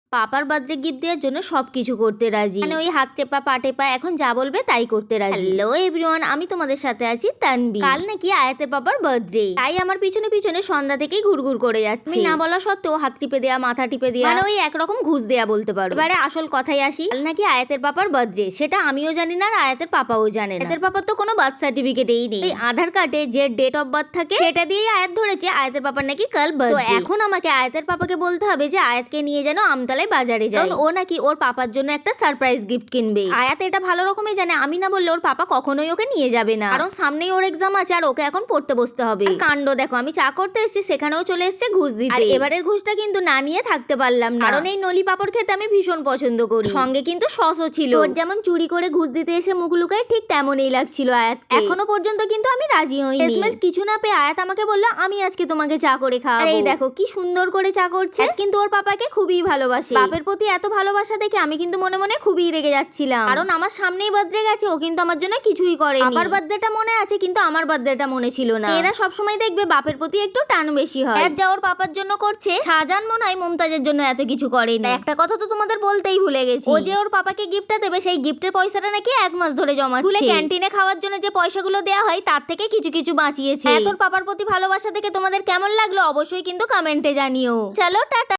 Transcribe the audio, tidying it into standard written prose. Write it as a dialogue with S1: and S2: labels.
S1: পাপার birthday gift দেওয়ার জন্য সবকিছু করতে রাজি, মানে ওই হাত টেপা পা টেপা এখন যা বলবে তাই করতে রাজি। হ্যালো এভরিওয়ান, আমি তোমাদের সাথে আছি তানবি। কাল নাকি আয়াতের পাপার বার্থডে, তাই আমার পিছনে পিছনে সন্ধ্যা থেকেই ঘুরঘুর করে যাচ্ছে। আমি না বলা সত্ত্বেও হাত টিপে দেয়া, মাথা টিপে দেয়া, মানে ওই একরকম ঘুষ দেয়া বলতে পারো। এবারে আসল কথাই আসি, কাল নাকি আয়াতের পাপার বার্থডে, সেটা আমিও জানি না আর আয়াতের পাপাও জানে না। আয়াতের পাপার তো কোনো বার্থ সার্টিফিকেটই নেই, এই আধার কার্ডে যে ডেট অফ বার্থ থাকে সেটা দিয়েই আয়াত ধরেছে আয়াতের পাপার নাকি কাল বার্থডে। তো এখন আমাকে আয়াতের পাপাকে বলতে হবে যে আয়াতকে নিয়ে যেন আমতলায় বাজারে যায়, ও নাকি ওর পাপার জন্য একটা সারপ্রাইজ গিফট কিনবে। আয়াত এটা ভালো রকমই জানে আমি না বললে ওর পাপা কখনোই ওকে নিয়ে যাবে না, কারণ সামনেই ওর এক্সাম আছে আর ওকে এখন পড়তে বসতে হবে। কাণ্ড দেখো, আমি চা করতে এসেছি সেখানেও চলে এসেছে ঘুষ দিতে। আর এবারের ঘুষটা কিন্তু না নিয়ে থাকতে পারলাম না, কারণ এই নলি পাপড় খেতে আমি ভীষণ পছন্দ করি, সঙ্গে কিন্তু সসও ছিল। ওর যেমন চুরি করে ঘুষ দিতে এসে মুখ লুকায় ঠিক তেমনই লাগছিল আয়াত। এখনো পর্যন্ত কিন্তু আমি রাজি হইনি। এসএমএস কিছু না পেয়ে আয়াত আমাকে বলল আমি আজকে তোমাকে চা করে খাওয়াবো। আর এই দেখো কি সুন্দর করে চা করছে। কিন্তু ওর পাপাকে খুবই ভালোবাসে, বাপের প্রতি এত ভালোবাসা দেখে আমি কিন্তু মনে মনে খুবই রেগে যাচ্ছিলাম, কারণ আমার সামনেই বার্থডে গেছে, ও কিন্তু আমার জন্য কিছুই করেনি। আমার বার্থডেটা মনে আছে কিন্তু আমার বার্থডেটা মনে ছিল না। এরা সবসময় দেখবে বাপের প্রতি একটু টান বেশি হয়। যা ওর পাপার জন্য করছে, শাহজাহান মনে হয় মুমতাজের জন্য এত কিছু করেনি। একটা কথা তো তোমাদের বলতেই ভুলে গেছি, ও যে ওর পাপাকে গিফটটা দেবে সেই গিফটের পয়সাটা নাকি 1 মাস ধরে জমাচ্ছে। স্কুলে ক্যান্টিনে খাওয়ার জন্য যে পয়সাগুলো দেওয়া হয় তার থেকে কিছু কিছু বাঁচিয়েছে। তোর পাপার প্রতি ভালোবাসা দেখে তোমাদের কেমন লাগলো অবশ্যই কিন্তু কমেন্টে জানিও। চলো টাটা।